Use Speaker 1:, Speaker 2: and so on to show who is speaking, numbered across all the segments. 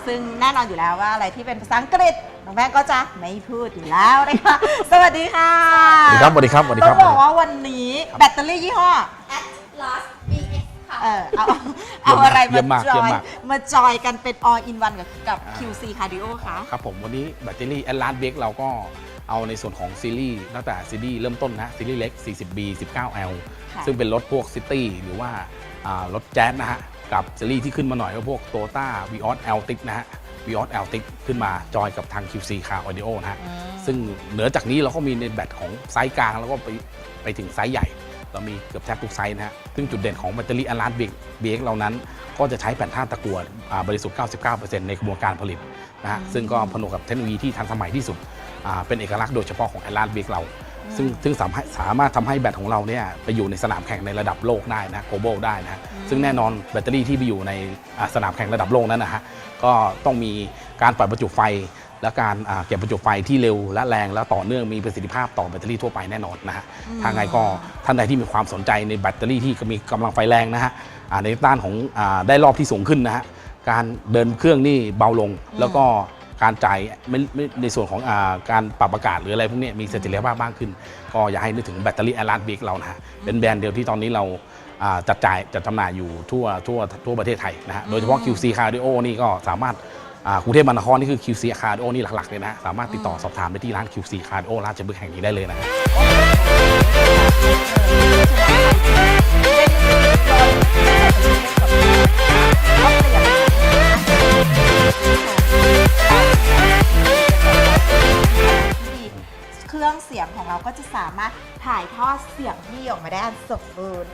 Speaker 1: ซึ่งแน่นอนอยู่แล้วว่าอะไรที่เป็นภาษาอังกฤษน้องแป้งก็จะไม่พูดอยู่แล้วนะคะสวัสดีค่ะ
Speaker 2: สวัสดีครับสวัสดีครับสวัสดีค
Speaker 1: ต้
Speaker 2: รั
Speaker 1: อบ งบอกว่าวันนี้แบตเตอรี่ยี่ห้อ
Speaker 3: Atlas BX ค่ะ
Speaker 1: เอาอะไร
Speaker 2: เยี่ยมมากเยี่ยมมาก
Speaker 1: มาจอยกันเป็น all in one กับ QC Cardio ค่ะ
Speaker 2: ครับผมวันนี้แบตเตอรี่ Atlas BX เราก็เอาในส่วนของซีรีส์ตั้งแต่ซีรีส์เริ่มต้นนะซีรีส์เล็ก 40B 19L
Speaker 1: ค่ะ
Speaker 2: ซึ่งเป็นรถพวกซิตี้หรือว่ารถแจ๊สนะฮะกับซีรีส์ที่ขึ้นมาหน่อยก็พวก Toyota Vios Altis นะฮะ Vios Altis ขึ้นมาจอยกับทาง QC Car Audio นะฮะซึ่งเหนือจากนี้เราก็มีในแบตของไซส์กลางแล้วก็ไปถึงไซส์ใหญ่เรามีเกือบแทบทุกไซส์นะฮะซึ่งจุดเด่นของแบตเตอรี่ Atlas BX เหล่านั้นก็จะใช้แผ่นธาตุตะกั่วบริสุทธิ์ 99% ในกระบวนการผลิตนะฮะซึ่งก็ผนวกกับเทคโนโลยีที่ทันสมัยที่สุดเป็นเอกลักษณ์โดยเฉพาะของ Atlas BX เราซึ่งสามารถทำให้แบตของเราเนี่ยไปอยู่ในสนามแข่งในระดับโลกได้นะ global ได้นะฮะซึ่งแน่นอนแบตเตอรี่ที่ไปอยู่ในสนามแข่งระดับโลกนั้นนะฮะก็ต้องมีการปล่อยประจุไฟและการเก็บประจุไฟที่เร็วและแรงและต่อเนื่องมีประสิทธิภาพต่อแบตเตอรี่ทั่วไปแน่นอนนะฮะทางไงก็ท่านใดที่มีความสนใจในแบตเตอรี่ที่มีกำลังไฟแรงนะฮะในด้านของได้รอบที่สูงขึ้นนะฮะการเดินเครื่องนี่เบาลงแล้วก็การจ่ายไม่ในส่วนของการปรับอากาศหรืออะไรพวกนี้มีเสถียรภาพมากขึ้นก็อย่าให้นึกถึงแบตเตอรี่ Atlas BX เรานะฮะเป็นแบรนด์เดียวที่ตอนนี้เราจัดจำหน่ายอยู่ทั่วประเทศไทยนะฮะโดยเฉพาะ QC Cardio นี่ก็สามารถกรุงเทพมหานครนี่คือ QC Cardio นี่หลักๆเลยนะฮะสามารถติดต่อสอบถามไปที่ร้าน QC Cardio ราชพฤกษ์แห่งนี้ได้เลยนะฮะ
Speaker 1: เครื่องเสียงของเราก็จะสามารถถ่ายทอดเสียงที่ออกมาได้อันสมบูรณ์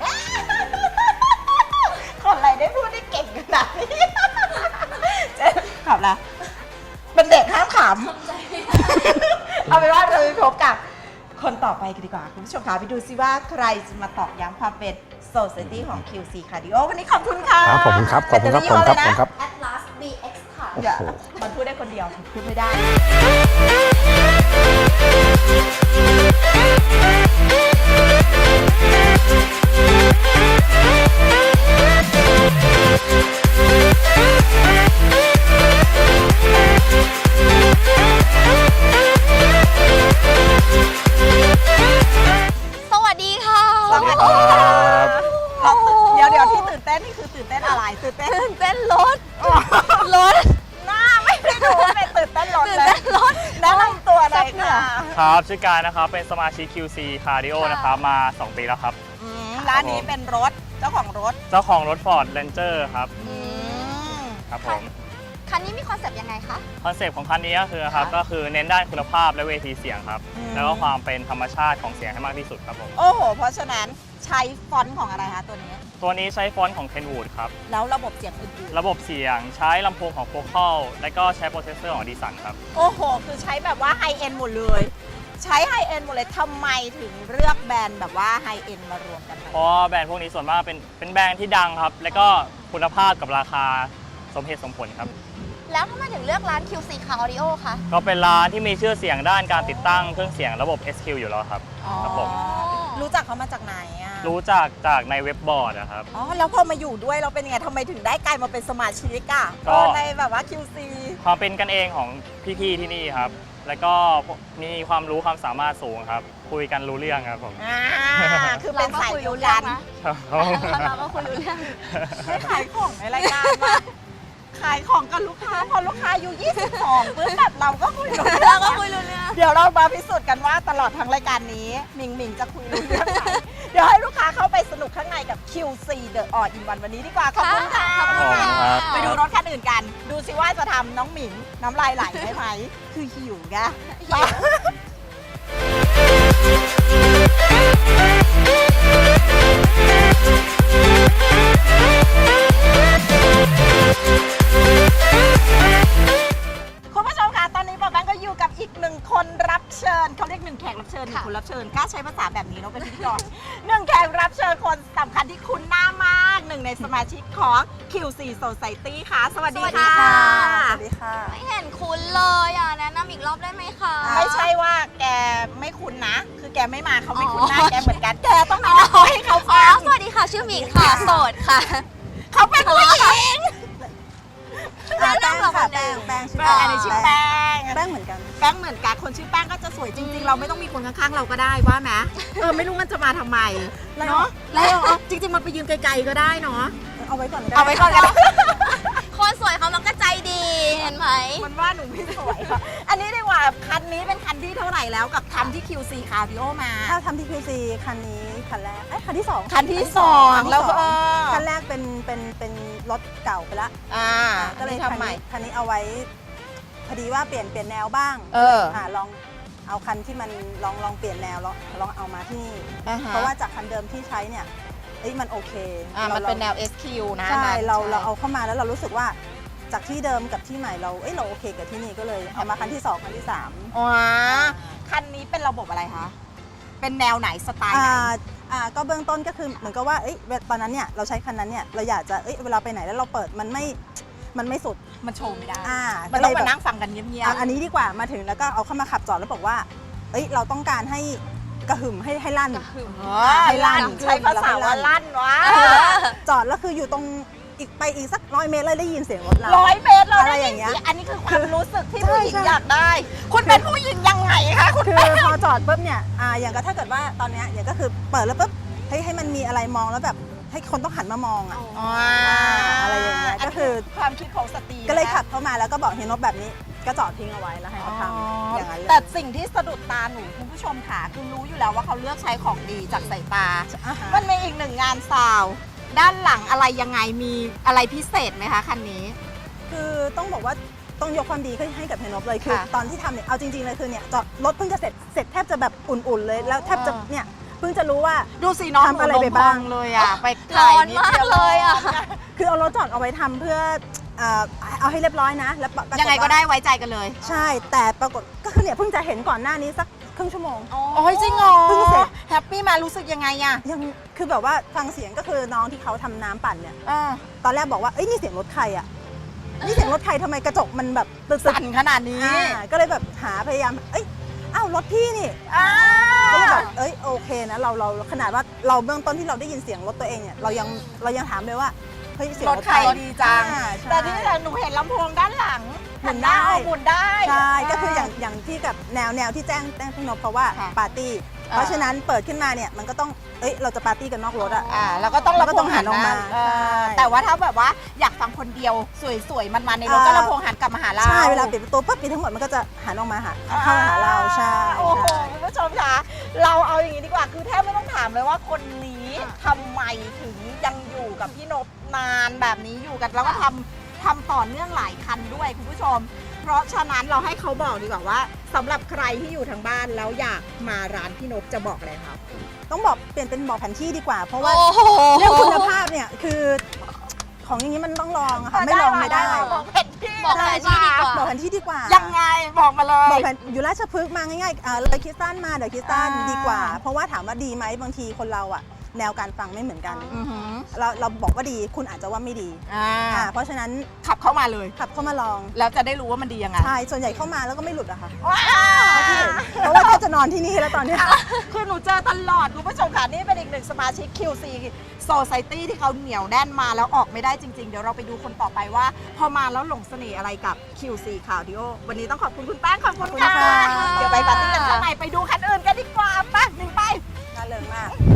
Speaker 1: คนอะไรได้พูดได้เก่งขนาดนี้เจ๊ขำละเป็นเด็กห้ามขำเอาเป็นว่าเราไปพบกับคนต่อไปกันดีกว่าคุณผู้ชมคะไปดูซิว่าใครจะมาตอกย้ำความเป็น Society ของ QC Cardio วันนี้ขอบคุณค่ะ
Speaker 2: ครับขอบคุณครับขอบคุณครับขอบคุณครับขอบคุณครับ
Speaker 3: Atlas BX ค่ะ
Speaker 1: เดี๋ยวมันพูดได้คนเดียวพูดไม่ได้
Speaker 3: สวัสดีค่ะ
Speaker 1: สวัสดีครับเดี๋ยวที่ตื่นเต้นนี่คือตื่นเต้นอะไรตื่นเต้น
Speaker 3: ตื่นเต้นรถ รถ
Speaker 1: หน้าไม่ได้ดูว่าเป็นตื่นเต้นรถ
Speaker 3: ตื่น
Speaker 1: เลย
Speaker 3: เต้นรถ
Speaker 1: แนะนำตัวหน่อยค่ะ
Speaker 4: ครับชื่อกายนะครับเป็นสมาชิก QC Cardio นะครับมา 2 ปีแล้วครับ
Speaker 1: ร้านนี้เป็นรถเจ้าของรถ
Speaker 4: เจ้าของรถ Ford Ranger ครับ
Speaker 1: ม
Speaker 4: ครับผม
Speaker 3: คันนี้มีคอนเซปต์ยังไงคะ
Speaker 4: คอนเซปต์ของคันนี้ก็คือครับก็คือเน้นด้านคุณภาพและเวทีเสียงครับ แล้วก็ความเป็นธรรมชาติของเสียงให้มากที่สุดครับผม
Speaker 1: โอ้โหเพราะฉะนั้นใช้ฟอนต์ของอะไรคะตัวนี้
Speaker 4: ตัวนี้ใช้ฟอนต์ของ Kenwood ครับ
Speaker 1: แล้วระบบเสียงอื่น
Speaker 4: ระบบเสียงใช้ลำโพงของ Focal และก็ใช้โปรเซสเซอร์ของ Dyson ครับ
Speaker 1: ๆโอ้โหคือใช้แบบว่าไฮเอ็นหมดเลย ใช้ไฮเอ็นหมดเลยทำไมถึงเลือกแบรนด์แบบว่าไฮเอ็นมารวมกัน
Speaker 4: เพราะแบรนด์พวกนี้ส่วนมากเป็นแบรนด์ที่ดังครับ และก็คุณภาพกับราคาสมเหตุสมผลครับ
Speaker 3: แล้วทำไมถึงเลือกร้าน QC Car Audio คะ
Speaker 4: ก็เป็นร้านที่มีชื่อเสียงด้านการติดตั้งเครื่องเสียงระบบ SQ อยู่แล้วครับ ครับผม
Speaker 1: รู้จักเขามาจากไหนอ่ะ
Speaker 4: รู้จากในเว็บบอร์ดนะครับ
Speaker 1: อ๋อแล้วพอมาอยู่ด้วยเราเป็นยังไงทำไมถึงได้กลายมาเป็นสมาชิกอ่ะ
Speaker 4: ก็
Speaker 1: ในแบบว่า QC
Speaker 4: ความเป็นกันเองของพี่ๆที่นี่ครับ แล้วก็มีความรู้ความสามารถสูงครับ คุยกันรู้เรื่องครับผม
Speaker 1: อ่าคือเป็นสายเดียวกัน
Speaker 3: เราก็คุยรู้เรื่อง
Speaker 1: ให้ขายของในรายการมาขายของกับลูกค้าพอลูกค้าอยู่22ปุ๊บแบบเราก็คุยรู้เรื่
Speaker 3: เรา
Speaker 1: อง
Speaker 3: ก็คุยรู้เรื่อง
Speaker 1: เดี๋ยวเรามาพิสูจน์กันว่าตลอดทั้งรายการนี้หมิงจะคุยรู้เรื่องไหมเดี๋ยวให้ลูกค้าเข้าไปสนุกข้างในกับ QC The All in One วันนี้ดีกว่าขอบคุณค่ะ
Speaker 3: ขอบคุณค่ะ
Speaker 1: ไปดูรถคันอื่นกัน ดูสิว่าจะทำน้องหมิงน้ำลายไหลได้ไหมคือหิวไง คุณผู้ชมคะตอนนี้ป๊าแบงก์ก็อยู่กับอีกหนึ่งคนรับเชิญเขาเรียกหนึ่งแขกรับเชิญหนึ่งคนรับเชิญกล้าใช้ภาษาแบบนี้เนาะเป็นพิธีกรหนึ่งแขกรับเชิญคนสำคัญที่คุณหน้ามากหนึ่งในสมาชิกของ QC Society ค่ะ สวัสดีค่ะ
Speaker 3: สวัสดีค่ะ ไม่เห็นคุ้นเลยอ่ะแนะนำอีกรอบได้ไหมคะ
Speaker 1: ไม่ใช่ว่าแกไม่คุ้นนะ คือแกไม่มาเขาไม่คุ้นหน้าแกเหมือนกันแกต้องแนะนำให้เขา
Speaker 3: อ๋อ
Speaker 1: ฟัง
Speaker 3: สวัสดีค่ะ ชื่อหมิงค่ะ โสดค่ะ
Speaker 1: เขาเป็นผู้หญิง
Speaker 3: แนะนำกับ
Speaker 5: ค่ะ
Speaker 3: คนอื่น
Speaker 5: แป้งชื่อ
Speaker 1: อันนี้ชื่อแป้ง
Speaker 5: แป้งเหมือนกัน
Speaker 1: แป้งเหมือนกันคนชื่อแป้งก็จะสวยจริง ๆ เราไม่ต้องมีคนข้างๆเราก็ได้ว่าไหมไม่รู้มันจะมาทำไมเนาะแล้วจริง ๆ มันไปยืนไกลๆก็ได้เนาะ
Speaker 5: เอาไว้ก่อนก็ด้
Speaker 1: เอาไว้ก่อนก็ได้
Speaker 3: คนสวยเขามันก็ใจดีเห็นไหม
Speaker 1: มันว่าหนูไม่สวยค่ะอันนี้ดีกว่าคันนี้เป็นคันที่เท่าไหร่แล้วกับทำที่ QC คาร์ดิโอมา
Speaker 5: ถ้าทำที่ QC คันนี้คันแรกคันที่ 2
Speaker 1: คันที่สองแล้วก็
Speaker 5: คันแรกเป็นรถเก่าไปละ
Speaker 1: ก็เลยทำใหม่
Speaker 5: คันนี้เอาไว้พอดีว่าเปลี่ยนแนวบ้าง ลองเอาคันที่มันลองเปลี่ยนแนวลองเอามาที่นี่เพราะว่าจากคันเดิมที่ใช้เนี่ยมันโอเค
Speaker 1: มันเป็นแนว SQ นะ
Speaker 5: ใช่เราเอาเข้ามาแล้วเรารู้สึกว่าจากที่เดิมกับที่ใหม่เราโอเคกับที่นี่ก็เลยเอามาคันที่ 2 คันที่ 3
Speaker 1: อ๋อคันนี้เป็นระบบอะไรคะเป็นแนวไหนสไตล์ไหน
Speaker 5: ก็เบื้องต้นก็คือเหมือนกับว่าตอนนั้นเนี่ยเราใช้คันนั้นเนี่ยเราอยากจะเวลาไปไหนแล้วเราเปิดมันไม่สุด
Speaker 1: มันโชว์ไม่ได้
Speaker 5: ก็
Speaker 1: มัน
Speaker 5: เล
Speaker 1: ต้อง
Speaker 5: ย
Speaker 1: มา
Speaker 5: แบบ
Speaker 1: นั่งฟังกันเงียบ
Speaker 5: อันนี้ดีกว่ามาถึงแล้วก็เอาเข้ามาขับจอดแล้วบอกว่าเราต้องการให้กระหึ่มให้ลั่น
Speaker 1: ๆให้ลั่นใช้ภาษาว่าลั่นวะ
Speaker 5: จอดแล้วคืออยู่ตรงอีกสัก100 เมตรเลยได้ยินเสียงรถเรา
Speaker 1: 100 เมตรเรา
Speaker 5: อะไร
Speaker 1: ได้
Speaker 5: อย่างเงี้ย
Speaker 1: อันนี้คือความรู้สึกที่ผู้หญิง
Speaker 5: ใช่
Speaker 1: อยากได้ คุณเป็นผู้หญิงยังไงคะคุณ
Speaker 5: คือพอจอดปุ๊บเนี่ยอย่างก็ถ้าเกิดว่าตอนเนี้ยอย่างก็คือเปิดแล้วปุ๊บให้มันมีอะไรมองแล้วแบบให้คนต้องหันมามองอะไรอย่างเงี้ยก็คือ
Speaker 1: ความคิดของสตรี
Speaker 5: ก็เลยขับเข้ามาแล้วก็บอกเฮียนบแบบนี้ก็จอดทิ้งเอาไว้แล้วให้เขาทำอย่างนั้นเลย
Speaker 1: แต่สิ่งที่สะดุดตาหนูคุณผู้ชมค่ะคือรู้อยู่แล้วว่าเขาเลือกใช้ของดีจากสายตา มันมีอีกหนึ่งงานซาวด์ด้านหลังอะไรยังไงมีอะไรพิเศษไหมคะคันนี้
Speaker 5: คือต้องบอกว่าต้องยกความดีให้กับเฮียนบเลยคือ
Speaker 1: ค่ะ
Speaker 5: ตอนที่ทำเนี่ยเอาจริงๆเลยคือเนี่ยจอดรถเพิ่งจะเสร็จแทบจะแบบอุ่นๆเลยแล้วแทบจะเนี่ยเพิ่งจะรู้ว่า
Speaker 1: ดูสิน้อง
Speaker 5: ทำอะไรไปบ้าง
Speaker 1: หนูลมพองเลยอ่ะไป
Speaker 3: ร้อนมากเลยอ่ะ
Speaker 5: คือเอารถจอดเอาไว้ทำเพื่อเอาให้เรียบร้อยนะแล้วปรากฏ
Speaker 1: ยังไงก็ได้ไว้ใจกันเลย
Speaker 5: ใช่แต่ปรากฏก็คือเนี่ยเพิ่งจะเห็นก่อนหน้านี้สักครึ่งชั่วโมง
Speaker 1: โอ้ยจริงเหรอ
Speaker 5: เพิ่งเสร็จ
Speaker 1: แฮปปี้มารู้สึกยังไงอ่ะ
Speaker 5: ยังคือแบบว่าฟังเสียงก็คือน้องที่เขาทำน้ำปั่นเนี่ยตอนแรกบอกว่านี่เสียงรถใครอ่ะนี่เสียงรถใครทำไมกระจกมันแบบตึ๊ด
Speaker 1: สั่นขนาดนี้
Speaker 5: ก็เลยแบบพยายามอ้าวรถพี่นี่ก็เลยแบบโอเคนะเราขนาดว่าเราเบื้องต้นที่เราได้ยินเสียงรถตัวเองเนี่ยเรายังถามเลยว่าเฮ้ยเสียง
Speaker 1: ร
Speaker 5: ร
Speaker 1: ถ
Speaker 5: ถ
Speaker 1: ใครดีจัง
Speaker 5: ใช่
Speaker 1: แต่ที่หนูเห็นลำโพงด้านหลัง
Speaker 5: หมุนได้
Speaker 1: หมุนได้
Speaker 5: ใช่ก็คืออย่างที่กับแนวที่แจ้งพี่นพเพราะว่า
Speaker 1: ค่ะ
Speaker 5: ปาร์ตี้เพราะฉะนั้นเปิดขึ้นมาเนี่ยมันก็ต้องเราจะปาร์ตี้กันนอกรถอ่ะ
Speaker 1: แล้วก็ต้อง
Speaker 5: เราก็ต้องหันออกมา
Speaker 1: เออ
Speaker 5: ใช่
Speaker 1: แต่ว่าถ้าแบบว่าอยากฟังคนเดียวสวยๆมันๆในรถก็ลำโพงหันกลับมาหาเรา
Speaker 5: ใช่เวลาปิดประตูปุ๊บปิดทั้งหมดมันก็จะหันออกมาเข้ามาหาเราใช่
Speaker 1: โอ้โห
Speaker 5: ใช่
Speaker 1: คุณผู้ชมคะเราเอาอย่างนี้ดีกว่าคือแทบไม่ต้องถามเลยว่าคนนี้ทำไมถึงยังอยู่กับพี่นพนานแบบนี้อยู่กันแล้วก็ทำต่อเนื่องหลายคันด้วยคุณผู้ชม เพราะฉะนั้นเราให้เขาบอกดีกว่าว่าสำหรับใครที่อยู่ทางบ้านแล้วอยากมาร้านพี่นพจะบอกอะไรครับ
Speaker 5: ต้องบอกเปลี่ยนเป็นบอกแผนที่ดีกว่า เพราะว่า
Speaker 3: โอ้โห
Speaker 5: เรื่องคุณภาพเนี่ยคือของอย่างนี้มันต้องลองอะค่ะไม่ลองไม่ได้
Speaker 1: บอกแผนที่
Speaker 3: บอกแผนที่ดีกว่า
Speaker 5: บอกแผนที่ดีกว่า
Speaker 1: ยังไงบอกมาเลย
Speaker 5: บอกแผนอยู่ราชพฤกษ์มาง่ายๆเลยคริสตันมาเดี๋ยวคริสตัน
Speaker 1: อ่า
Speaker 5: ดีกว่า เพราะว่าถามว่าดีไหมบางทีคนเราอะแนวการฟังไม่เหมือนกัน
Speaker 1: อือหือ
Speaker 5: เราบอกว่าดีคุณอาจจะว่าไม่ดีเพราะฉะนั้น
Speaker 1: ขับเข้ามาเลย
Speaker 5: ขับเข้ามาลอง
Speaker 1: แล้วจะได้รู้ว่ามันดียังไง
Speaker 5: ใช่ส่วนใหญ่เข้ามาแล้วก็ไม่หลุดอะค่ะ
Speaker 1: ว้า
Speaker 5: เพราะว่าก็จะนอนที่นี่แล้วตอนเนี้ย
Speaker 1: คือหนูเจอตลอดคุณผู้ชมค่ะนี่เป็นอีกหนึ่งสมาชิก QC Society ที่เขาเหนียวแน่นมาแล้วออกไม่ได้จริงๆ เดี๋ยวเราไปดูคนต่อไปว่า พอมาแล้วหลงเสน่ห์อะไรกับ QC Cardio วันนี้ต้องขอบคุณคุณแป้งขอบคุณค่ะ
Speaker 5: ขอบคุณค่ะ
Speaker 1: เดี๋ยวไปปาร์ตี้กันข้างในไปดูคันอื่นกันดีกว่าไปหนึ่งไป
Speaker 5: น่าเริงมาก